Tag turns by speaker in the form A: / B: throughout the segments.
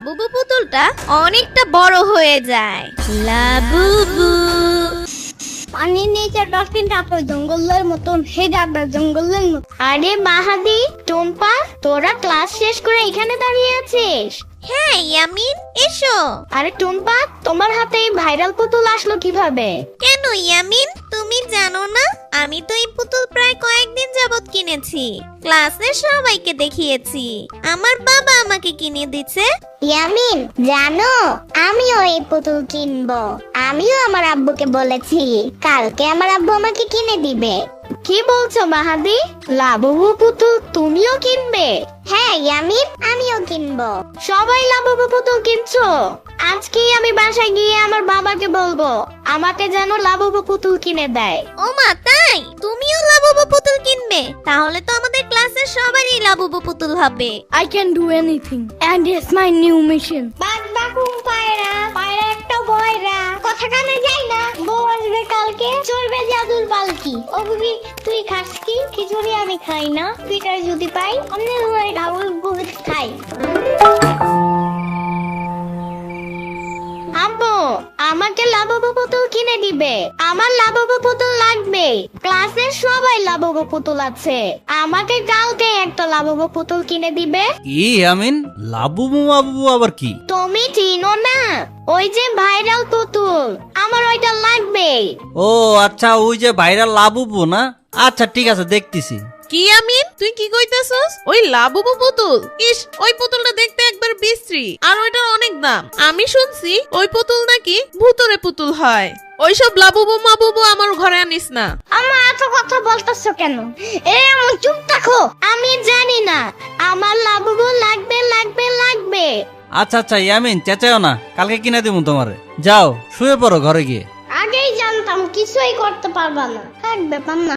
A: বুবু পুতুলটা অনেকটা বড় হয়ে যায়। লাবুবু
B: পানির নিচে ডলফিনটা তো জঙ্গলের মতন হেডাটা জঙ্গলের মতো। আরে মাহাদি, টুম্পা, তোরা ক্লাস শেষ করে এখানে দাঁড়িয়ে আছিস?
A: হ্যাঁ ইয়ামিন, এসো।
B: আরে টুম্পা, তোমার হাতে এই ভাইরাল পুতুল আসলো কিভাবে?
A: কেন ইয়ামিন, তুমি জানো না? আমি তো এই পুতুল প্রায় কয়েকদিন যাবত কিনেছি, ক্লাসে সবাইকে দেখিয়েছি। আমার বাবা আমাকে কিনে দিচ্ছে।
B: ইয়ামিন, জানো আমিও এই পুতুল কিনবো। আমিও আমার আব্বুকে বলেছি কালকে আমার আব্বু আমাকে কিনে দিবে। কি বলছো মাহাদি? লাবুবু পুতুল তুমিও কিনবে? হ্যাঁ ইয়ামিন, আমিও কিনবো। সবাই লাবুবু পুতুল কিনছো? আজকেই আমি বাসায় গিয়ে আমার বাবাকে বলবো আমাকে যেন লাবুবু পুতুল কিনে দেয়।
A: ও মা, তাই? তুমিও লাবুবু পুতুল কিনবে? তাহলে তো আমাদের ক্লাসের সবারই লাবুবু পুতুল হবে।
C: I can do anything and it's my new mission.
B: বাদ বাকুম পায়রা, পায়রা একটা বয়রা, কথা কানে যায় না। বউ আসবে কালকে, চলবে জাদুর পালকি। ও বিবি, তুই খাস কি? খিচুড়ি আমি খাই না। পিটার যদি পাই অন্য ঢাউল বহুত খাই। আব্বু, আমাকে লাবুবু পুতুল কিনে দিবে। আমার লাবুবু পুতুল লাগবে। ক্লাসের সবাই লাবুবু পুতুল আছে, আমাকে কালকে একটা লাবুবু পুতুল কিনে দিবে।
D: কি আমিন, লাবুবু মাবুবু আবার কি?
B: তুমি চিনো না? ওই যে ভাইরাল পুতুল, আমার ওইটা লাগবে।
D: ও আচ্ছা, ওই যে ভাইরাল লাবুবু না? আচ্ছা ঠিক আছে, দেখতেছি।
E: কি আমিন, তুই কি কইতাছস? ওই লাবুবু পুতুল? ইস, ওই পুতুলটা দেখতে একবার বিশ্রী, আর ওইটার অনেক দাম। আমি শুনছি ওই পুতুল নাকি ভূতরে পুতুল হয়। ওইসব লাবুবু মাবুবু আমার ঘরে আনিস না।
B: আমার এত কথা বলতেছো কেন? আমার চুপ থাকো। আমি জানি না, আমার লাবুবু লাগবে লাগবে লাগবে।
D: আচ্ছা আচ্ছা ইয়ামিন, চেঁচাও না, কালকে কিনে দিব তোমারে। যাও শুয়ে পড়ো ঘরে গিয়ে।
B: আগেই জানতাম কিছুই করতে পারবা না। থাক ব্যাপার না।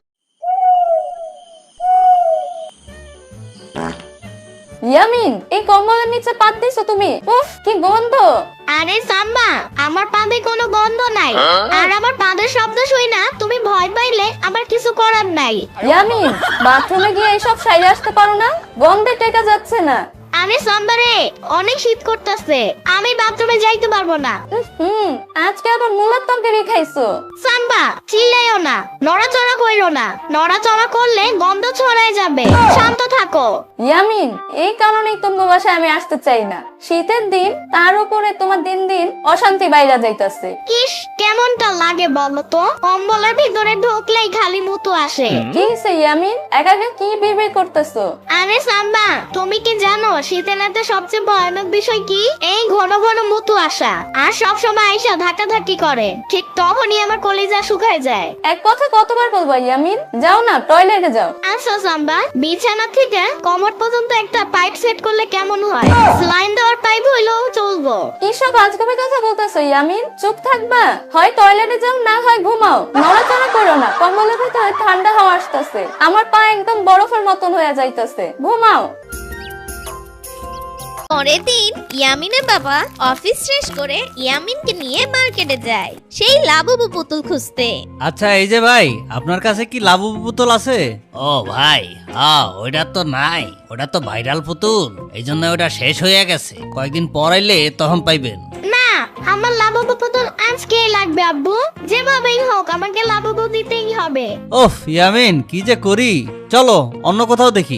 C: ইয়ামিন, এই কম্বলের নিচে পাত দিছো তুমি? উফ, কি গন্ধ!
B: আরে সাম্বা, আমার পাদে কোনো গন্ধ নাই। আর আমার পাদের শব্দ শুই না তুমি ভয় পাইলে আমার কিছু করার নাই।
C: ইয়ামিন, বাথরুমে গিয়ে এইসব সাইরে আসতে পারো না? গন্ধে টেকা যাচ্ছে না।
B: আরে সাম্বা রে, অনেক শীত করতেছে, আমি বাথরুমে যাইতে পারবো না।
C: আজকে আবার মুলার তরকারি খাইছো?
B: সাম্বা, চিল্লাইও না, নড়াচড়া কইরো না। নড়াচড়া করলে গন্ধ ছড়ায় যাবে। শান্ত থাকো।
C: ইয়ামিন, এই কারণেই তোমার বাসায় আমি আসতে চাই না। শীতের দিন, তার উপরে তোমার দিন দিন অশান্তি বাইরা যাইতাছে।
B: কিস, কেমনটা লাগে বলো তো? কম্বলের ভিতরে ঢুকলেই খালি মুতু আসে।
C: কি হইছে ইয়ামিন, একা একা কি বিড়বিড় করতেছো?
B: আরে সাম্বা, তুমি কি জানো শীতের রাতে সবচেয়ে ভয়ানক বিষয় কি? এই ঘন ঘন মুতু আসা, আর সবসময় আইসা ধাক্কাধাক্কি করে। ঠিক তখনই আমার কলিজা শুকায় যায়।
C: এক কথা কতবার বলবো ইয়ামিন? যাও না, টয়লেটে যাও।
B: আচ্ছা সাম্বা, বিছানা থেকে কোমর পর্যন্ত একটা পাইপ সেট করলে কেমন হয়? স্লাইন দেওয়ার পাইপ হইলেও চলবো।
C: কিসব আজগবি কথা বলতেছো ইয়ামিন? চুপ থাকবা? হয় টয়লেটে যাও, না হয় ঘুমাও। নড়াচড়া করো না, কম্বলের ভিতরে ঠান্ডা হাওয়া আসতেছে। আমার পা একদম বরফের মতন হয়ে যাইতেছে। ঘুমাও।
A: পরের দিন ইয়ামিনের বাবা অফিস শেষ করে ইয়ামিনকে নিয়ে মার্কেটে যায় সেই লাবুবু পুতুল খুঁজতে।
D: আচ্ছা এই যে ভাই, আপনার কাছে কি লাবুবু পুতুল আছে? ও ভাই, ওইটা তো নাই, ওটা তো ভাইরাল পুতুল, এই জন্য ওটা শেষ হয়ে গেছে। কয়েকদিন পর আইলে তখন পাইবেন।
B: না, আমার লাবুবু পুতুল আজকেই লাগবে আব্বু। যেভাবেই হোক আমাকে লাবুবু দিতেই হবে।
D: ওফ ইয়ামিন, কি যে করি, চলো অন্য কোথাও দেখি।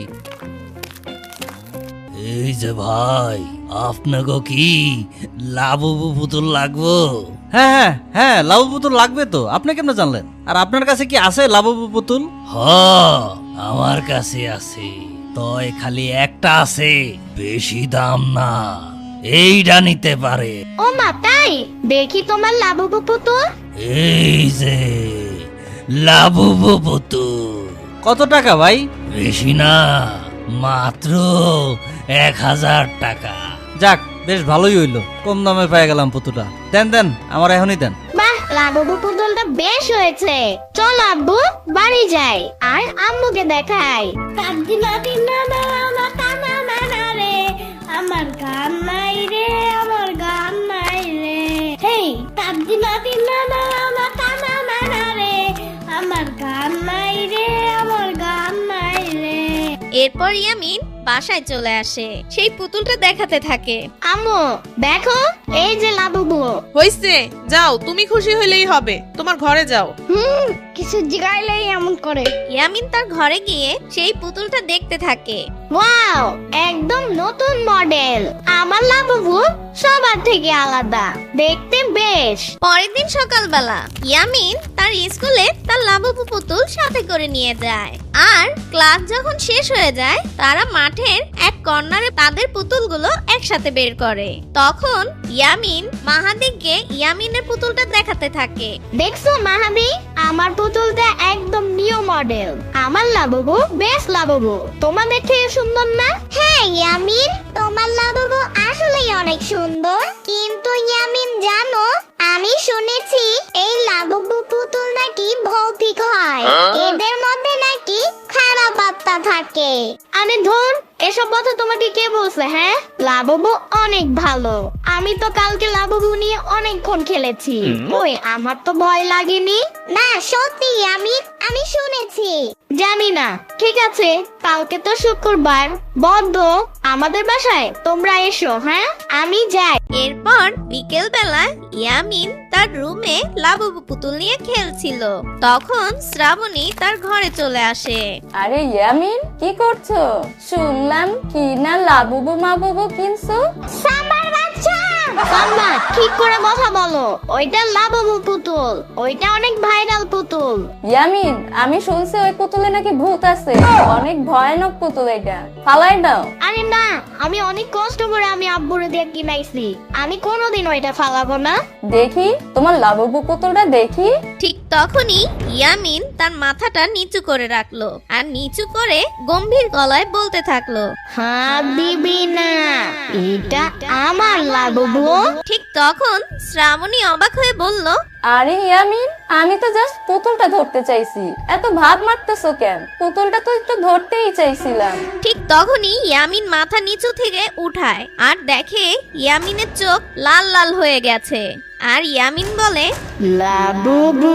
D: এই যে ভাই, আপনাকে কি লাবুবু পুতুল লাগবো? হ্যাঁ হ্যাঁ হ্যাঁ, লাবুবু পুতুল লাগবে তো। আপনি কেমনে জানলেন? আর আপনার কাছে কি আছে লাবুবু পুতুল? আমার কাছে আছে, তয় খালি একটা আছে, বেশি দাম না, এইটা নিতে পারে।
B: ও মা, তাই? দেখি তোমার লাবুবু পুতুল।
D: এই যে লাবুবু পুতুল। কত টাকা ভাই? বেশি না, মাত্র 1000 টাকা। যাক, বেশ ভালোই হইলো, কম দামে পেয়ে গেলাম পুতুলটা। দেন দেন, আমার এখনই দেন।
B: বাহ, লাবুবু পুতুলটা বেশ হয়েছে। চল আব্বু, বাড়ি যাই আর আম্মুকে দেখাই। আমার গান নাই রে, আমার গান নাই রে। হেই,
A: এরপর ইয়ামিন বাসায় চলে আসে, সেই পুতুলটা দেখাতে থাকে।
B: আম্মু দেখো, এই যে লাবুবু।
E: হইছে, যাও, তুমি খুশি হইলেই হবে, তোমার ঘরে যাও।
B: কিছু জিগাইলেই এমন করে।
A: ইয়ামিন তার ঘরে গিয়ে সেই পুতুলটা দেখতে থাকে।
B: ওয়াও, একদম নতুন মডেল। আমার লাবুবু সবার থেকে আলাদা, দেখতে বেশ।
A: পরের দিন সকালবেলা ইয়ামিন তার স্কুলে তার লাবুবু পুতুল সাথে করে নিয়ে যায়। আর ক্লাস যখন শেষ হয়ে যায়, তারা মাঠের এক কর্নারে তাদের পুতুলগুলো একসাথে বের করে। তখন ইয়ামিন মাহাদিকে ইয়ামিনের পুতুলটা দেখাতে থাকে।
B: দেখছো মাহাদি, আমার পুতুলটা একদম নিউ মডেল। আমার লাবুবু বেশ লাবুবু, তোমাদের থেকে সুন্দর না? হ্যাঁ ইয়ামিন, তোমার লাবুবু আসলেই অনেক সুন্দর। কিন্তু ইয়ামিন জানো, আমি শুনেছি এই লাবুবু পুতুল নাকি ভৌতিক হয়, এদের মধ্যে নাকি খারাপ আত্মা থাকে। আরে ধুর, এসব কথা তোমাকে কে বলছে? হ্যাঁ, লাবুবু অনেক ভালো। আমি তো কালকে লাবুবু নিয়ে অনেকক্ষণ খেলেছি। ওই আমার তো ভয় লাগেনি। না সত্যি আমি শুনেছি। জানি না, ঠিক আছে, কালকে তো শুক্রবার, বন্ধ। আমাদের বাসায় তোমরা এসো। হ্যাঁ, আমি যাই।
A: এরপর বিকেল বেলা ইয়ামিন তার রুমে লাবুবু পুতুল নিয়ে খেলছিল। তখন শ্রাবণী তার ঘরে চলে আসে।
C: আরে ইয়ামিন, কি করছো? শুনলাম কি না লাবুবু মাবুবু কিনছো?
B: সাম্বার বাচ্চা, সাম্বা ঠিক করে কথা বলো। ওইটা লাবুবু পুতুল, ওইটা অনেক ভাইরাল পুতুল।
C: ইয়ামিন, আমি শুনছি ওই পুতুলে নাকি ভূত আছে, অনেক ভয়ানক পুতুল এটা, ফালাই দাও।
B: আরে না, আমি অনেক কষ্ট করে আমি আব্বুরে দিয়ে কিনাইছি, আমি কোনোদিন ওইটা ফালাবো না।
C: দেখি তোমার লাবুবু পুতুলটা দেখি।
A: ঠিক তখনই ইয়ামিন তার মাথাটা নিচু করে রাখলো আর নিচু করে গম্ভীর গলায় বলতে থাকলো,
B: হাত দিবি না, এটা আমার লাবুবু।
A: ঠিক তখন শ্রাবণী অবাক হয়ে বলল,
C: আরে ইয়ামিন, আমি তো জাস্ট পুতুলটা ধরতে চাইছি, এত ভাব মারতেছো কেন? পুতুলটা তো একটু ধরতেই চাইছিলাম।
A: ঠিক তখনই ইয়ামিন মাথা নিচু থেকে উঠায় আর দেখে ইয়ামিনের চোখ লাল লাল হয়ে গেছে। আর ইয়ামিন বলে,
B: লাবুবু।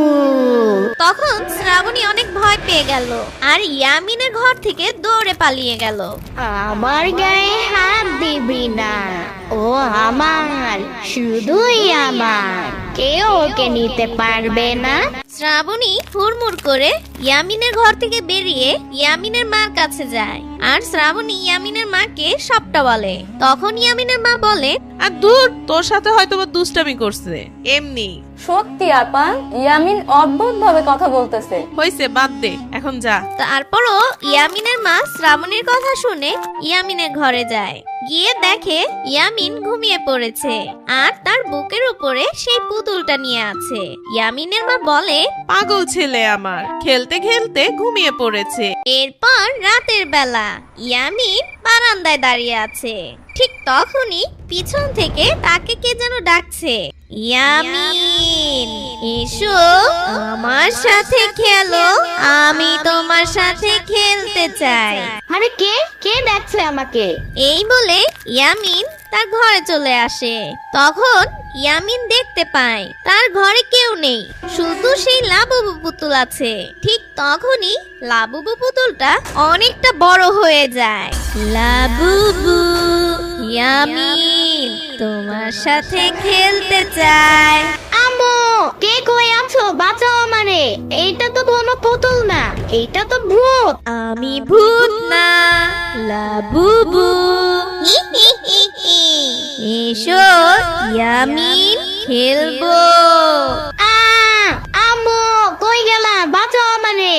A: তখন শ্রাবণী অনেক ভয় পেয়ে গেল আর ইয়ামিনের ঘর থেকে দৌড়ে পালিয়ে গেল।
B: আমার গায়ে হাত দিবি না, ও আমার, শুধুই আমার, কেউ ওকে নিতে পারবে না।
A: শ্রাবণী হুড়মুড় করে ইয়ামিনের ঘর থেকে বেরিয়ে ইয়ামিনের মার কাছে যায় আর শ্রাবণী ইয়ামিনের মাকে সবটা বলে। তখন ইয়ামিনের মা বলে,
E: আর দূর, তোর সাথে হয়তো বা দুষ্টামি করছে, এমনি।
C: সত্যি আপা, ইয়ামিন অদ্ভুত ভাবে কথা বলতেছে।
E: হইছে, বাদ দে, এখন যা।
A: তারপরও ইয়ামিনের মা শ্রাবণীর কথা শুনে ইয়ামিনের ঘরে যায়। গিয়ে দেখে ইয়ামিন ঘুমিয়ে পড়েছে আর তার বুকের উপরে সেই পুতুলটা নিয়ে আছে। ইয়ামিনের মা বলে,
E: পাগল ছেলে আমার, খেলতে খেলতে ঘুমিয়ে পড়েছে।
A: এরপর রাতের বেলা ইয়ামিন বারান্দায় দাঁড়িয়ে আছে। ঠিক তখনই পিছন থেকে তাকে কে যেন ডাকছে, ইয়ামিন এসো আমার সাথে খেলো, আমি তোমার সাথে খেলতে চাই।
B: আরে কে কে দেখছে আমাকে?
A: এই বলে ইয়ামিন তার ঘরে চলে আসে। তখন ইয়ামিন দেখতে পায় তার ঘরে কেউ নেই, শুধু সেই লাবুবু পুতুল আছে। ঠিক তখনই লাবুবু পুতুলটা অনেকটা বড় হয়ে যায়। লাবুবু, ইয়ামিন তোমার সাথে খেলতে চায়।
B: আম্মু, কে কই আছো? বাঁচাও আমারে, এইটা তো কোনো পুতুল না, এইটা তো ভূত।
A: আমি ভূত না, লাবুবু। এসো ইয়ামিন, খেলবো।
B: আম্মু কই গেলা? বাঁচাও আমারে।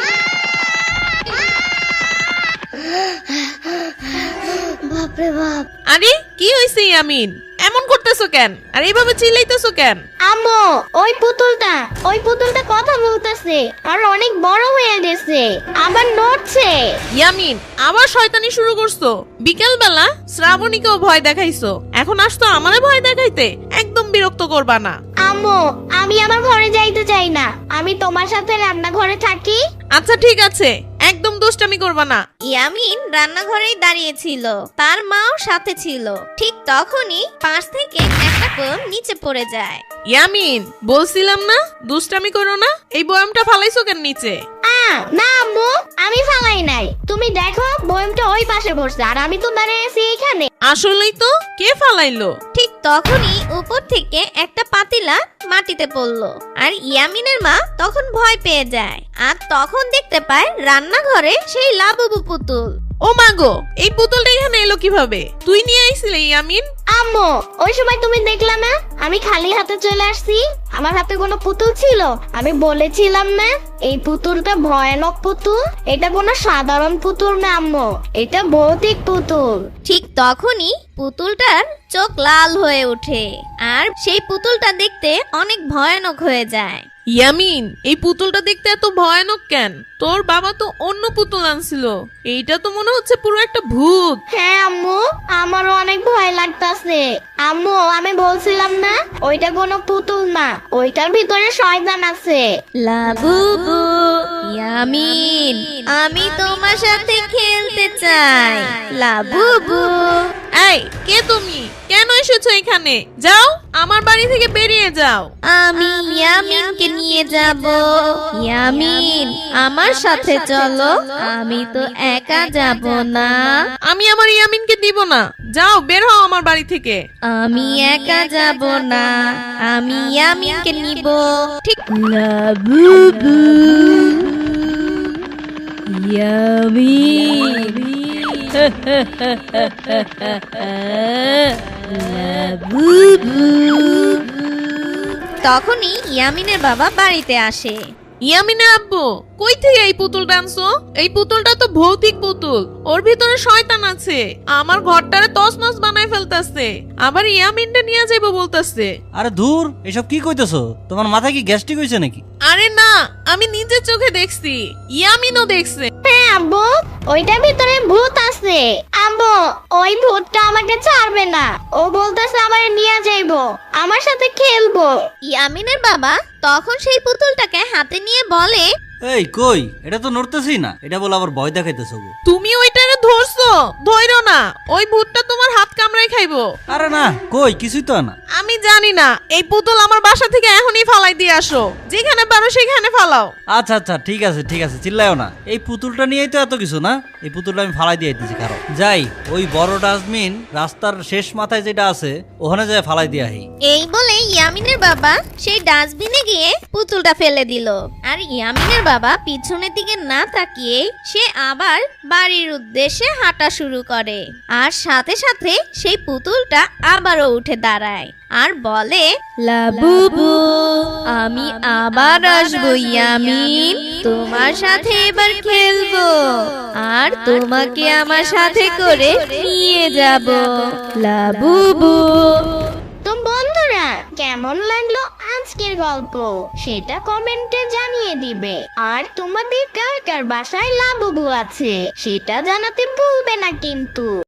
B: বাপরে বাপ।
E: আরে কি হইছে ইয়ামিন, এমন করতেছো কেন? আর এইভাবে চিল্লাইতেছো কেন?
B: আম্মু, ওই পুতুলটা কথা বলতেছে আর অনেক বড় হয়ে গেছে, আবার নড়ছে।
E: ইয়ামিন, আবার শয়তানি শুরু করছো? বিকেল বেলা শ্রাবণীকেও ভয় দেখাইছো, এখন আসতো আমারে ভয় দেখাইতে? একদম বিরক্ত করবা না।
B: আম্মু, আমি আমার ঘরে যাইতে চাই না, আমি তোমার সাথে রান্নাঘরে থাকি।
E: আচ্ছা ঠিক আছে, একদম দুষ্টামি করবা না।
A: ইয়ামিন রান্নাঘরেই দাঁড়িয়েছিল, তার মাও সাথে ছিল। ঠিক তখনই পাশ থেকে একটা বয়ম নিচে পড়ে যায়।
E: ইয়ামিন, বলছিলাম না দুষ্টামি করো না, এই বয়ামটা ফালাইছো কেন নিচে?
B: না আম্মু, আমি ফালাই নাই। তুমি দেখো বয়মটা ওই পাশে বসছে আর আমি তো দাঁড়িয়ে আছি এখানে।
E: আসলেই তো, কে ফালাইলো?
A: ঠিক তখনই উপর থেকে একটা পাতিলা মাটিতে পড়লো আর ইয়ামিনের মা তখন ভয় পেয়ে যায় আর তখন দেখতে পায় রান্নাঘরে সেই লাবুবু পুতুল।
E: ও মাগো, এই পুতুলটা এখানে এলো কিভাবে? তুই নিয়ে আইছিলি ইয়ামিন?
B: আম্মু, ওই সময় তুমি দেখলা না আমি খালি হাতে চলে আসছি? আমার হাতে কোনো পুতুল ছিল? আমি বলেছিলাম না এই পুতুলটা ভয়ানক পুতুল, এটা কোনো সাধারণ পুতুল না আম্মু, এটা ভৌতিক পুতুল।
A: ঠিক তখনই পুতুলটার চোখ লাল হয়ে ওঠে আর সেই পুতুলটা দেখতে অনেক ভয়ানক হয়ে যায়।
E: ইয়ামিন, এই পুতুলটা দেখতে এত ভয়ানক কেন? তোর বাবা তো অন্য পুতুল আনছিল, এইটা তো মনে হচ্ছে পুরো একটা ভূত।
B: হ্যাঁ আম্মু, আমারও অনেক ভয় লাগতাছে। আম্মু, আমি বলছিলাম না ওইটা কোনো পুতুল না, ওইটার ভিতরে শয়তান আছে।
A: লাবুবু, ইয়ামিন, আমি তোমার সাথে খেলতে চাই। লাবুবু।
E: এই, কে তুমি? কেন এসেছো এখানে? যাও, আমার বাড়ি থেকে বেরিয়ে যাও।
A: আমি ইয়ামিনকে নিয়ে যাব। ইয়ামিন, আমার সাথে চলো, আমি তো একা যাব না।
E: আমি আমার ইয়ামিনকে দিব না। যাও, বের হও আমার বাড়ি থেকে।
A: আমি একা যাব না, আমি ইয়ামিনকে নিব। ঠিক লাবুবু, ইয়ামিন, লাবুবু। তখনই ইয়ামিনের বাবা বাড়িতে আসে।
E: ইয়ামিনের আব্বু, কই থেকে এই পুতুলটা আনছো? এই পুতুলটা তো ভৌতিক পুতুল, ওর ভিতরে শয়তান আছে, আমার ঘরটারে তছনছ বানায় ফেলতাছে, আবার ইয়ামিনটা নিয়ে যাইবো বলতাছে।
D: আরে ধুর, এসব কি কইতেছো? তোমার মাথায় কি গ্যাস্ট্রিক হয়েছে নাকি?
E: আরে না, আমি নিজের চোখে দেখছি, ইয়ামিনও দেখছে।
B: হ্যাঁ আব্বু, ওইটার ভিতরে ভূত আছে। আব্বু, ওই ভূতটা আমাকে ছাড়বে না, ও বলতেছে আমার নিয়ে যাইবো, আমার সাথে খেলবো।
A: ইয়ামিনের বাবা তখন সেই পুতুলটাকে হাতে নিয়ে বলে,
D: এই কই, এটা তো নড়তেছি না, এটা বলে আবার ভয় দেখাইতেছো গো।
E: তুমি ওইটারে ধরছো? ধইরো না, ওই ভূতটা তোমার হাত কামড়ায় খাইবো।
D: আরে না, কই কিছুই তো না।
E: আমি জানি না, এই পুতুল আমার বাসা থেকে এখনই ফালাই দিয়ে আসো, যেখানে পারো সেখানে ফালাও।
D: আচ্ছা আচ্ছা, ঠিক আছে ঠিক আছে, চিল্লাইও না। এই পুতুলটা নিয়েই তো এত কিছু না, এই পুতুলটা আমি ফালাই দিয়ে দিচ্ছি। কারণ যাই, ওই বড় ডাস্টবিন রাস্তার শেষ মাথায় যেটা আছে ওখানে যাই ফালাই দিয়ে আহি।
A: এই বলে ইয়ামিনের বাবা সেই ডাস্টবিনে গিয়ে পুতুলটা ফেলে দিল আর ইয়ামিনের বাবা পিছনের দিকে না তাকিয়ে সে আবার বাড়ির উদ্দেশ্যে হাঁটা শুরু করে আর সাথে সাথে সেই পুতুলটা আবারও উঠে দাঁড়ায় আর বলে, লাবুবু, আমি আবার আসবো ইয়ামিন, তোমার সাথে এবার খেলবো আর তোমাকে আমার সাথে করে নিয়ে যাব। লাবুবু।
B: তো বন্ধুরা, কেমন লাগলো আজকের গল্প সেটা কমেন্টে জানিয়ে দিবে। আর তোমাদের কার কার বাসায় লাবুবু আছে সেটা জানাতে ভুলবে না কিন্তু।